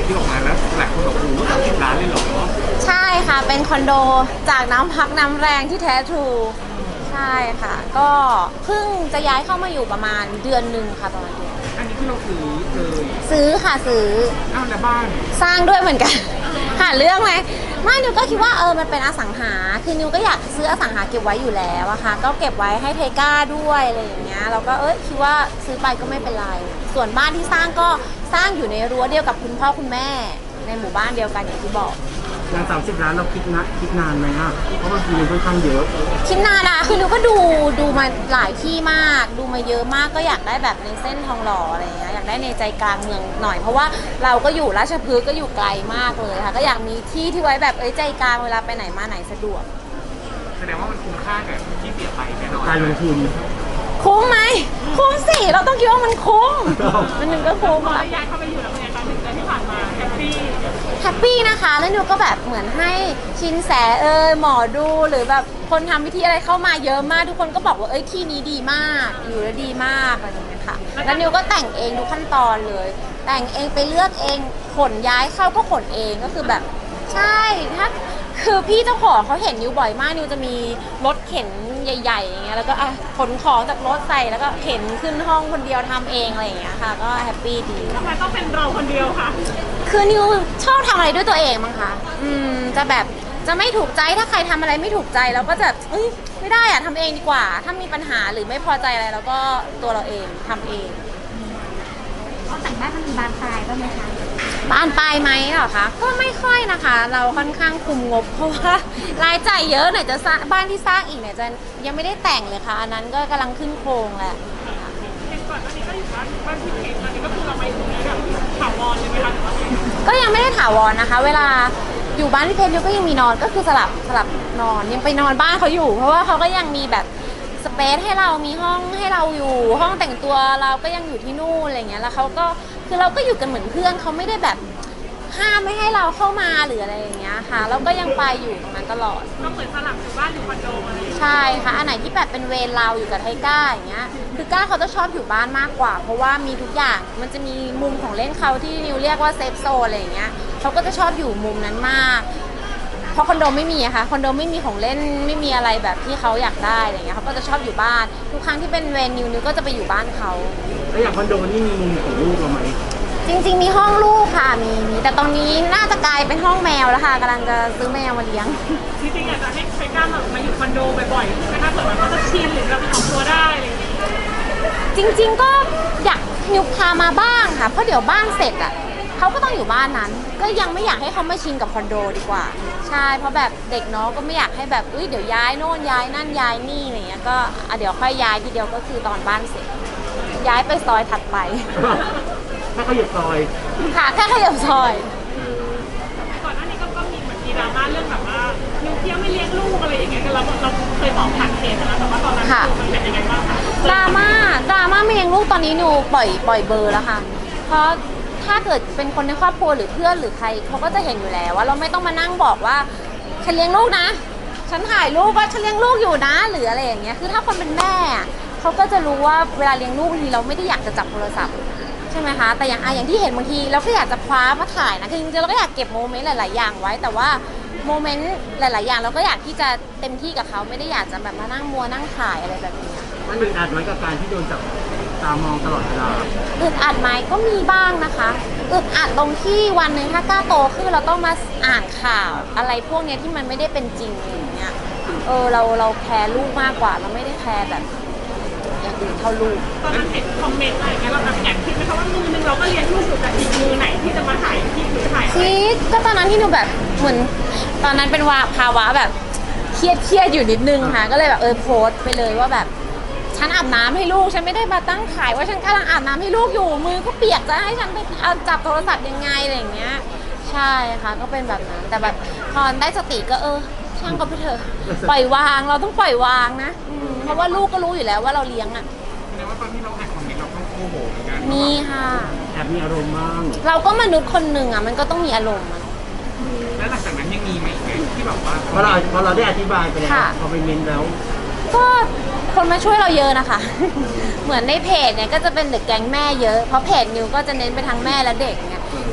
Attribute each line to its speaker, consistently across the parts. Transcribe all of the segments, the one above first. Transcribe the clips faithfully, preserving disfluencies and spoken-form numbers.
Speaker 1: ที่ออกมาแล้วหลายคนบอกโอ้โหสามสิบล้านเลยเหรอ
Speaker 2: ใช่ค่ะเป็นคอนโดจากน้ำพักน้ำแรงที่แท้ทรูใช่ค่ะก็เพิ่งจะย้ายเข้ามาอยู่ประมาณเดือนหนึ่งค่ะประมาณเดือน
Speaker 1: อันนี้ที่เราซื้อเลย
Speaker 2: ซื้อค่ะซื้อ
Speaker 1: อ้าวแล้วบ้าน
Speaker 2: สร้างด้วยเหมือนกัน หาเรื่องไหมไม่นิวก็คิดว่าเออมันเป็นอสังหาคือนิวก็อยากซื้ออสังหาเก็บไว้อยู่แล้วอะค่ะก็เก็บไว้ให้ไทก้าด้วยอะไรอย่างเงี้ยเราก็เอ้ยคิดว่าซื้อไปก็ไม่เป็นไรส่วนบ้านที่สร้างก็สร้างอยู่ในรั้วเดียวกับคุณพ่อคุณแม่ในหมู่บ้านเดียวกันอย่างที่บอก
Speaker 1: อย่างสามสิบล้านเราคิดนะคิดนานไหมอ่ะเพราะบางทีมันค่อนข้างเยอะ
Speaker 2: คิดนานนะคือนิวก็ดูดูมาหลายที่มากดูมาเยอะมากก็อยากได้แบบในเส้นทองหล่ออะไรอย่างเงี้ยอยากได้ในใจกลางเมืองหน่อยเพราะว่าเราก็อยู่ราชพฤกษ์ก็อยู่ไกลมากเลยค่ะก็อยากมีที่ที่ไว้แบบเอ้ยใจกลางเวลาไปไหนมาไหนสะดวก
Speaker 1: แสดงว่ามันคุ้มค่ากับที่เสียไปแน่นอนการลงทุน
Speaker 2: คุ้มไหมคุ้มสิเราต้องคิดว่ามันคุ้มมันหนึ่งก็คุ้ม
Speaker 3: พอย้ายเข้าไปอยู่แล้วเป็นไงคะหนึ่งเดือนที่ผ่านมาแฮปปี้
Speaker 2: แฮปปี้นะคะแล้วนิวก็แบบเหมือนให้ชินแสเออหมอดูหรือแบบคนทำวิธีอะไรเข้ามาเยอะมากทุกคนก็บอกว่าเอ้ยที่นี้ดีมากอยู่แล้วดีมากอะไรอย่างเงี้ยค่ะแล้วนิวก็แต่งเองทุกขั้นตอนเลยแต่งเองไปเลือกเองขนย้ายเข้าก็ขนเองก็คือแบบใช่ถ้าคือพี่เจ้าของเขาเห็นนิวบ่อยมากนิวจะมีรถเข็นใหญ่ๆอย่างเงี้ยแล้วก็อ่ะขนของจากรถใส่แล้วก็เข็นขึ้นห้องคนเดียวทำเองอะไรอย่างเงี้ยค่ะก็แฮปปี้ดี
Speaker 3: ทำไมต้องเป็นเราคนเดียวคะ
Speaker 2: คือนิวชอบทำอะไรด้วยตัวเองมั้งคะอืมจะแบบจะไม่ถูกใจถ้าใครทำอะไรไม่ถูกใจเราก็จะเอ้ยไม่ได้อะทำเองดีกว่าถ้ามีปัญหาหรือไม่พอใจอะไรเราก็ตัวเราเองทำเอง
Speaker 3: เขาแต่งบ้านมันมีบานปลายบ้างไหมคะ
Speaker 2: บานปลายไหมเหรอคะก็ไม่ค่อยนะคะเราค่อนข้างคุมงบเพราะว่ารายจ่ายเยอะไหนจะสร้างบ้านที่สร้างอีกเนี่ยจะยังไม่ได้แต่งเลยค่ะอันนั้นก็กำลังขึ้นโครงแหละ
Speaker 3: เห็นก่อนอันนี้ก็อยู่บ้านบ้านที่เพชรอันนี้ก็คือเราไปตรงนี้แบบถาวรเลยไหมคะหรือว่า
Speaker 2: ก็ยังไม่ได้ถาวรนะคะ เวลาอยู่บ้านที่เพชรนิวก็ยังมีนอนก็คือสลับสลับนอนยังไปนอนบ้านเขาอยู่เพราะว่าเขาก็ยังมีแบบสเปซให้เรามีห้องให้เราอยู่ห้องแต่งตัวเราก็ยังอยู่ที่นู่นอะไรเงี้ยแล้วเขาก็คือเราก็อยู่กันเหมือนเพื่อนเขาไม่ได้แบบห้ามไม่ให้เราเข้ามาหรืออะไรอย่างเงี้ยค่ะเราก็ยังไปอยู่ตรงนั้นตลอด
Speaker 3: ก็เหมือนสลับอยู่บ้านอยู่คอนโดอะไร
Speaker 2: ใช่ค่ะอันไหนที่แบบเป็นเวรเราอยู่กับไทก้าอย่างเงี้ยคือก้าเขาจะชอบอยู่บ้านมากกว่าเพราะว่ามีทุกอย่างมันจะมีมุมของเล่นเขาที่นิวเรียกว่าเซฟโซนอะไรอย่างเงี้ยเขาก็จะชอบอยู่มุมนั้นมากเพราะคอนโดไม่มีอะค่ะคอนโดไม่มีของเล่นไม่มีอะไรแบบที่เขาอยากได้อะไรเงี้ยเขาก็จะชอบอยู่บ้านทุกครั้งที่เป็นเวรนิวนิวก็จะไปอยู่บ้านเขา
Speaker 1: แล้วอย่างคอนโดนี่มีมุมของลูกเราไหม
Speaker 2: จริงๆมีห้องลูกค่ะมีมีแต่ตอนนี้น่าจะกลายเป็นห้องแมวแล้วค่ะกำลังจะซื้อแมวมาเลี้ยง
Speaker 3: จริงๆอยากจะให้ใครกล้ามาอยู่คอนโดบ่อยๆนะคะเผื่อมันก็จะชินหรือเราเป็นของตัวได้อะไรอย่างเงี้ย
Speaker 2: จริงๆก็อยากนิวพามาบ้างค่ะเพราะเดี๋ยวบ้านเสร็จอ่ะเขาก็ต้องอยู่บ้านนั้นก็ยังไม่อยากให้เขามาชินกับคอนโดดีกว่าใช่เพราะแบบเด็กเนาะก็ไม่อยากให้แบบอุ้ยเดี๋ยวย้ายโน่นย้ายนั่นย้ายนี่อะไรเงี้ยก็เดี๋ยวค่อยย้ายทีเดียวก็คือตอนบ้านเสร็จย้ายไปซอยถัดไป
Speaker 1: แค่ขยับซอย
Speaker 2: ค่ะแค่ขยับซอย
Speaker 3: ก่อนหน้านี้ก็ก็มีเหมือนมีดราม่าเรื่องแบบว่านิวเที่ยวไม่เลี้ยงลูกอะไรอย่างเงี้ยเราเราเคยบอกผ่านเพจนะแต่ว่าตอนนั้นมันเป็นยังไงบ้างคะ
Speaker 2: ดราม่าดราม่าไม่เลี้ยงลูกตอนนี้นิวปล่อยปล่อยเบอร์แล้วค่ะเพราะถ้าเกิดเป็นคนในครอบครัวหรือเพื่อนหรือใครเขาก็จะเห็นอยู่แล้วว่าเราไม่ต้องมานั่งบอกว่าฉันเลี้ยงลูกนะฉันถ่ายรูปว่าฉันเลี้ยงลูกอยู่นะหรืออะไรอย่างเงี้ยคือถ้าคนเป็นแม่เขาก็จะรู้ว่าเวลาเลี้ยงลูกบางทีเราไม่ได้อยากจะจับโทรศัพท์ใช่ไหมคะแต่อย่างอย่างที่เห็นบางทีเราก็อยากจะคว้ามาถ่ายนะคือจริงๆเราก็อยากเก็บโมเมนต์หลายๆอย่างไว้แต่ว่าโมเมนต์หลายๆอย่างเราก็อยากที่จะเต็มที่กับเขาไม่ได้อยากจะแบบมานั่งมัวนั่งถ่ายอะไรแบบนี้
Speaker 1: มันอึดอัดไหมกับการที่โดนจับตามองตลอดเวลา
Speaker 2: อึดอัดไหมก็มีบ้างนะคะอึดอัดตรงที่วันหนึ่งถ้ากล้าโตขึ้นเราต้องมาอ่านข่าวอะไรพวกนี้ที่มันไม่ได้เป็นจริงอย่างเงี้ยเออเราเราแคร์ลูกมากกว่าเราไม่ได้แคร์แบบอย่างอื่นเท่าลูก
Speaker 3: ตอนนั้นเห็นคอมเมนต์อะไรเงี้ยเราแบบแอบคิดไหมคะว่ามือนึงเราก็เลี้ยงลูกอยู่แต่อีกมือไหนที่จะมาถ่ายที่หรือถ่าย
Speaker 2: คิดก็ตอนนั้นที่หนูแบบเหมือนตอนนั้นเป็นว่าภาวะแบบเครียดเครียดอยู่นิดนึงค่ะก็เลยแบบเออโพสต์ไปเลยว่าแบบฉันอาบน้ำให้ลูกฉันไม่ได้มาตั้งขายว่าฉันกำลังอาบน้ำให้ลูกอยู่มือก็เปียกจะให้ฉันไปเอาจับโทรศัพท์ยังไงอะไรอย่างเงี้ยใช่ค่ะก็เป็นแบบนั้นแต่แบบพอได้สติก็เออช่างก็ไปเถอะปล่อยวางเราต้องปล่อยวางนะเพราะว่าลูกก็รู้อยู่แล้วว่าเราเลี้ยงอ่ะ
Speaker 1: แสดงว่าตอนที่เราอ่านคอมเมนต์เราต้องโมโหเหมือนกัน
Speaker 2: มีค่ะ
Speaker 1: แอบมีอารมณ์บ้าง
Speaker 2: เราก็มนุษย์คนหนึ่งอ่ะมันก็ต้องมีอารมณ์
Speaker 1: แล้วหลังจากนั้นยังมีไหมที่แบบว่าพอเราพอเราได้อธิบายไปแล้วพอไปเมนแล้ว
Speaker 2: ก็คนมาช่วยเราเยอะนะคะเหมือนในเพจเนี่ยก็จะเป็นเด็กแก๊งแม่เยอะเพราะเพจนิวก็จะเน้นไปทางแม่และเด็กเนี่ย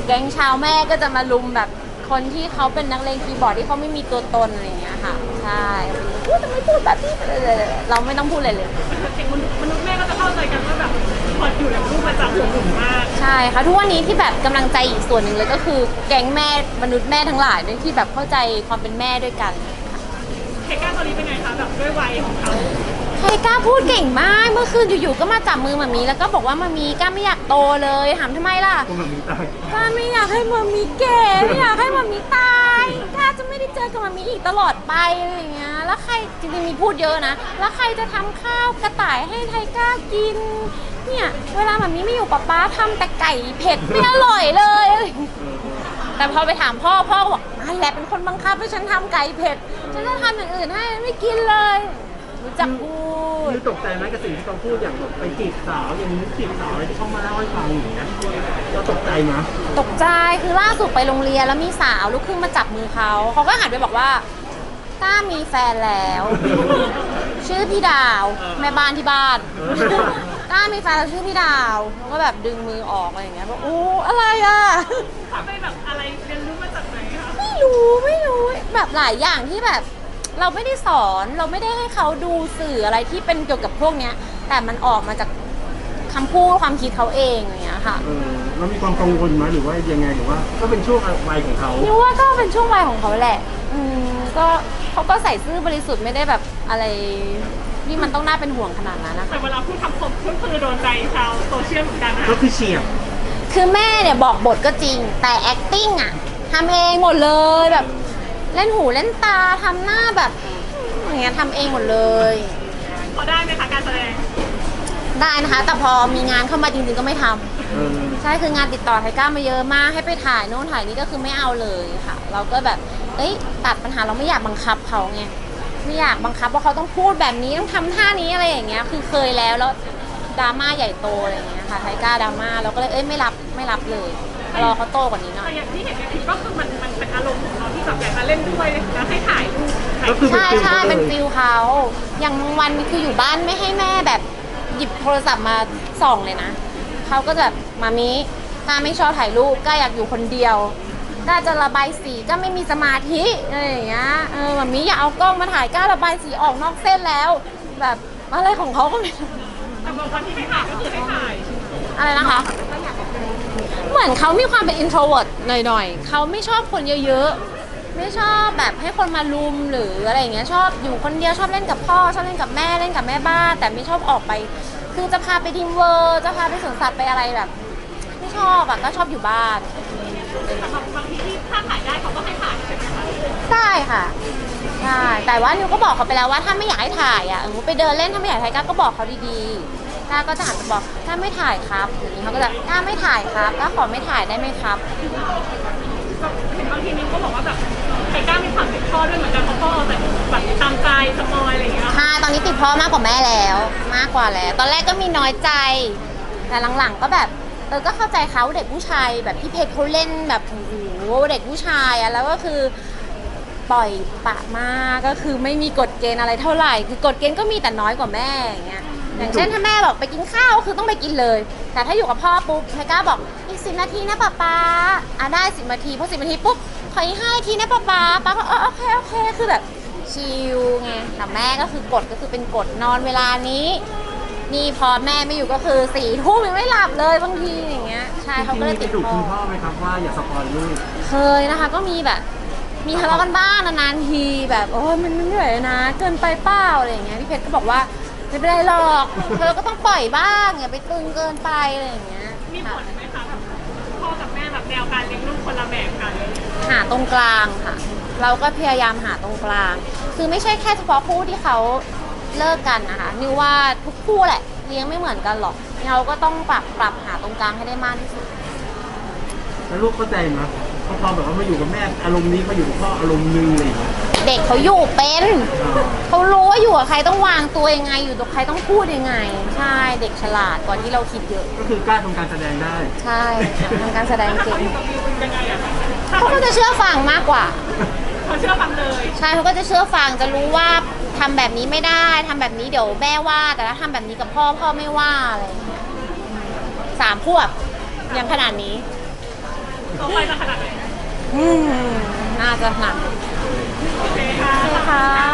Speaker 2: แก๊งชาวแม่ก็จะมาลุมแบบคนที่เขาเป็นนักเลงคีย์บอร์ดที่เขาไม่มีตัวตนอะไรอย่างเงี้ยค่ะใช่พูดทำไมพูดแบบนี้เลยเราไม่ต้องพูดอะไรเลย
Speaker 3: มนุษย์มนุษย์แม่ก็จะเข้าใจกันว่าแบบพออยู่กับลูกมันจะห่วงหนุ่มมาก
Speaker 2: ใช่ค่ะทุกวันนี้ที่แบบกำลังใจอีกส่วนหนึ่งเลยก็คือแก๊งแม่มนุษย์แม่ทั้งหลายด้วยที่แบบเข้าใจความเป็นแม่ด้วยกัน
Speaker 3: เทก้าตอนนี้เป็นไงคะแบบด้วยวัยของเขา
Speaker 2: ไทก้าพูดเก่งมากเมื่อคืนอยู่ๆก็มาจับมือมามีแล้วก็บอกว่ามามีก้าไม่อยากโตเลยถามทำไมล่ะ
Speaker 1: พวกมันมีตาย
Speaker 2: ก้าไม่อยากให้มามีแก่ไม่อยากให้มามีตายก้าจะไม่ได้เจอกับมามีอีกตลอดไปอะไรอย่างเงี้ยแล้วใครจริงๆมีพูดเยอะนะแล้วใครจะทำข้าวกระต่ายให้ไทก้ากินเนี่ยเวลามามีไม่อยู่ป๊าป๊าทำแต่ไก่เผ็ดไม่อร่อยเลยแต่พอไปถามพ่อพ่อก็บอกนั่นแหละเป็นคนบังคับให้ฉันทำไก่เผ็ดฉันจะทำอย่างอื่นให้ไม่กินเลยรู้จักพูด
Speaker 1: คือตกใจไหมกับสิ่งที่เขาพูดอย่างแบบไปจีบสาวอย่างนี้จีบสาวอะไรที่เขามาเล่าให้ฟังอย่างเงี้ยเราตกใจไหม
Speaker 2: ตกใจคือล่าสุดไปโรงเรียนแล้วมีสาวลูกครึ่งมาจับมือเขาเขาก็หันไปบอกว่าก้ามีแฟนแล้ว ชื่อพี่ดาวแม่บ้านที่บ้านก้ามีแฟนแล้วชื่อพี่ดาวเขาก็แบบดึงมือออกอะไรอย่างเงี้ยบอกโอ้อะไรอ่ะ
Speaker 3: เขาไปแบบอะไรเรียนรู้มาจากไหนคะ
Speaker 2: ไม่รู้ไม่รู้แบบหลายอย่างที่แบบเราไม่ได้สอนเราไม่ได้ให้เขาดูสื่ออะไรที่เป็นเกี่ยวกับพวกเนี้ยแต่มันออกมาจากคำพูดความคิดเขาเองอย่างเงี้ยค่ะ
Speaker 1: เออเรามีความกังวลไหมหรือว่ายังไงหรือว่าก็เป็นช่วงวัยของเขา
Speaker 2: นิวว่าก็เป็นช่วงวัยของเขาแหละ อืมก็เขาก็ใส่ซื่อบริสุทธิ์ไม่ได้แบบอะไรที่มันต้องน่าเป็นห่วงขนาดนั้นนะคะ
Speaker 3: แต่เวลาพูดคำคมก็คือโดนใจชาวโซเชียลเหมือนกันนะ
Speaker 1: ก็คือเฉียบ
Speaker 2: คือแม่เนี่ยบอกบทก็จริง แต่ acting อะทำเองหมดเลยแบบเล่นหูเล่นตาทำหน้าแบบอย่างเงี้ยทำเองหมดเลย
Speaker 3: พอได้ไหมคะการแสดง
Speaker 2: ได้นะคะ แต่พอมีงานเข้ามาจริงๆก็ไม่ทำ
Speaker 1: เออ
Speaker 2: ใช่คืองานติดต่อไทก้ามาเยอะมากให้ไปถ่ายโน่นถ่ายนี่ก็คือไม่เอาเลยค่ะ เราก็แบบเอ้ยตัดปัญหาเราไม่อยากบังคับเขาไงไม่อยากบังคับว่าเขาต้องพูดแบบนี้ต้องทำท่านี้อะไรอย่างเงี้ยคือเคยแล้วแล้วดราม่าใหญ่โตอะไรอย่างเงี้ยค่ะไทก้าดราม่าเราก็เลยเอ้ยไม่รับไม่รับเลยรอเขาโตกว่านี้หน่อ
Speaker 3: แต่
Speaker 2: ย
Speaker 3: อย่างที่เห็นในคลิปก็คือมันมันเป็นอารมณ์ของเราที่แบบอยากจะเล่นด้วยแล้วให้ถ่ายรูปถ่าย
Speaker 1: ก็คือเป็น
Speaker 2: ใช่
Speaker 1: ฟิล
Speaker 2: ใช่
Speaker 1: เขาเล
Speaker 2: เป็น
Speaker 1: ย
Speaker 2: ฟิลเขาอย่างบางวันคืออยู่บ้านไม่ให้แม่แบบหยิบโทรศัพท์มาส่องเลยนะเขาก็จะแบบมามิก้าไม่ชอบถ่ายรูปก้าอยากอยู่คนเดียวก้าจะระบายสีก้าไม่มีสมาธิอะไรอย่างเงี้ยเออมามิอย่าเอากล้องมาถ่ายก้าระบายสีออกนอกเส้นแล้ว แบบอะไรของเขาก็ไม่รู้
Speaker 3: แต่บางวันที่ให้ถ่ายก็คือให้ถ่าย
Speaker 2: อะไรนะคะ เหมือนเขามีความเป็น introvert หน่อยๆเขาไม่ชอบคนเยอะๆไม่ชอบแบบให้คนมาลุมหรืออะไรอย่างเงี้ยชอบอยู่คนเดียวชอบเล่นกับพ่อชอบเล่นกับแม่เล่นกับแม่บ้านแต่ไม่ชอบออกไป คือจะพาไปดิมเวอร์จะพาไปสวนสัตว์ไปอะไรแบบ ไม่ชอบอะก็ชอบอยู่บ้าน
Speaker 3: แต่บางบางทีที่ถ้าถ่ายได้เขาก็ให้ถ่ายใช่ไหมคะ
Speaker 2: ได้ค่ะใช่แต่ว่านิวก็บอกเขาไปแล้วว่าถ้าไม่อยากให้ถ่ายอ่ะเออไปเดินเล่นถ้าไม่อยากถ่ายก้าก็บอกเขาดีๆก้าก็จะหันไปบอกก้าไม่ถ่ายครับอย่างนี้เขาก็จะก้าไม่ถ่ายครับก้าขอไม่ถ่ายได้ไหมครับ
Speaker 3: แบบเห็นบางทีนิ้งก็บอกว่าแบบไทก้ามีความติดพ่อด้วยเหมือนกันเพราะพ่อแต่แบบตามใจสปอยอะไรอย่างเงี้ย
Speaker 2: ใช่ตอนนี้ติดพ่อมากกว่าแม่แล้วมากกว่าแล้ว ตอนแรกก็มีน้อยใจ แต่หลังๆก็แบบเออก็เข้าใจเขาเด็กผู้ชายแบบพี่เพชรเขาเล่นแบบโอ้โหเด็กผู้ชายอะแล้วก็คือปล่อยปะมากก็คือไม่มีกฎเกณฑ์อะไรเท่าไหร่ คือกฎเกณฑ์ก็มีแต่น้อยกว่าแม่อย่างเงี้ยอย่างเช่นถ้าแม่บอกไปกินข้าวคือต้องไปกินเลย แต่ถ้าอยู่กับพ่อปุ๊บไทก้าบอกอีกสิบนาทีนะป๊าป๊าอ่ะได้สิบนาทีพอสิบนาทีปุ๊บขออีกห้านาทีนะป๊าป๊าป๊าก็เออโอเคโอเคคือแบบชิลไงแต่แม่ก็คือกฎก็คือเป็นกฎนอนเวลานี้นี่พอแม่ไม่อยู่ก็คือสี่ทุ่มยังไม่หลับเลยบางทีอย่างเงี้ยใช่เขาก็เลยติด
Speaker 1: ดุ
Speaker 2: พ่
Speaker 1: คุ
Speaker 2: อ
Speaker 1: ณพ่อไหมครับว่าอย่าสปอยลูก
Speaker 2: เคยนะคะก็มีแบบมีทะเลาะกันบ้างนานๆทีแบบโอ้ยมันเหนื่อยนะเกินไปเปล่าอะไรอย่างเงี้ยพี่เพชรก็บอกว่าไม่เป็นไรหรอกเธอก็ต้องปล่อยบ้างอย่าไปตึงเกินไปอะไรอย่างเงี้ย
Speaker 3: มีผลไหมคะแบบพ่อกับแม่แบบแนวการเลี้ยงลูกคนละแบบกัน
Speaker 2: หาตรงกลางค่ะ เราก็พยายามหาตรงกลาง คือไม่ใช่แค่เฉพาะคู่ที่เขาเลิกกันนะคะนิวว่าทุกคู่แหละเลี้ยงไม่เหมือนกันหรอกเราก็ต้องปรับปรับหาตรงกลางให้ได้มากที่สุด
Speaker 1: แล้วลูกเข้าใจไหมพอพอแบบว่ามาอยู่กับแม่อารมณ์นี้มาอยู่กับพ่ออารมณ์นึงอะไรอย่างเลย
Speaker 2: เด็กเขาอยู่เป็นเขารู้ว่าอยู่กับใครต้องวางตัวยังไงอยู่กับใครต้องพูดยังไง ใช่เด็กฉลาดกว่าที่เราคิดเยอะ
Speaker 1: ก็คือกล้าทำการแสดงได้
Speaker 2: ใช่ทำการแสดง
Speaker 3: ถ้า
Speaker 2: เก่
Speaker 3: เขา
Speaker 2: ง
Speaker 3: อยู่กับวิวเป็นยังไงอะคะ
Speaker 2: เขาก็จะเชื่อฟังมากกว่า
Speaker 3: เขาเชื่อฟังเลย
Speaker 2: ใช่เขาก็จะเชื่อฟังจะรู้ว่าทำแบบนี้ไม่ได้ทำแบบนี้เดี๋ยวแม่ว่า แต่ถ้าทำแบบนี้กับพ่อพ่อไม่ว่าอะไรอย่างเงี้ยสามขวบยังขนาดนี้
Speaker 3: ต่อไปจะขนาดไหน
Speaker 2: อืมน่าจะหนัก
Speaker 3: โอเคค่ะ
Speaker 2: โอเคค่ะ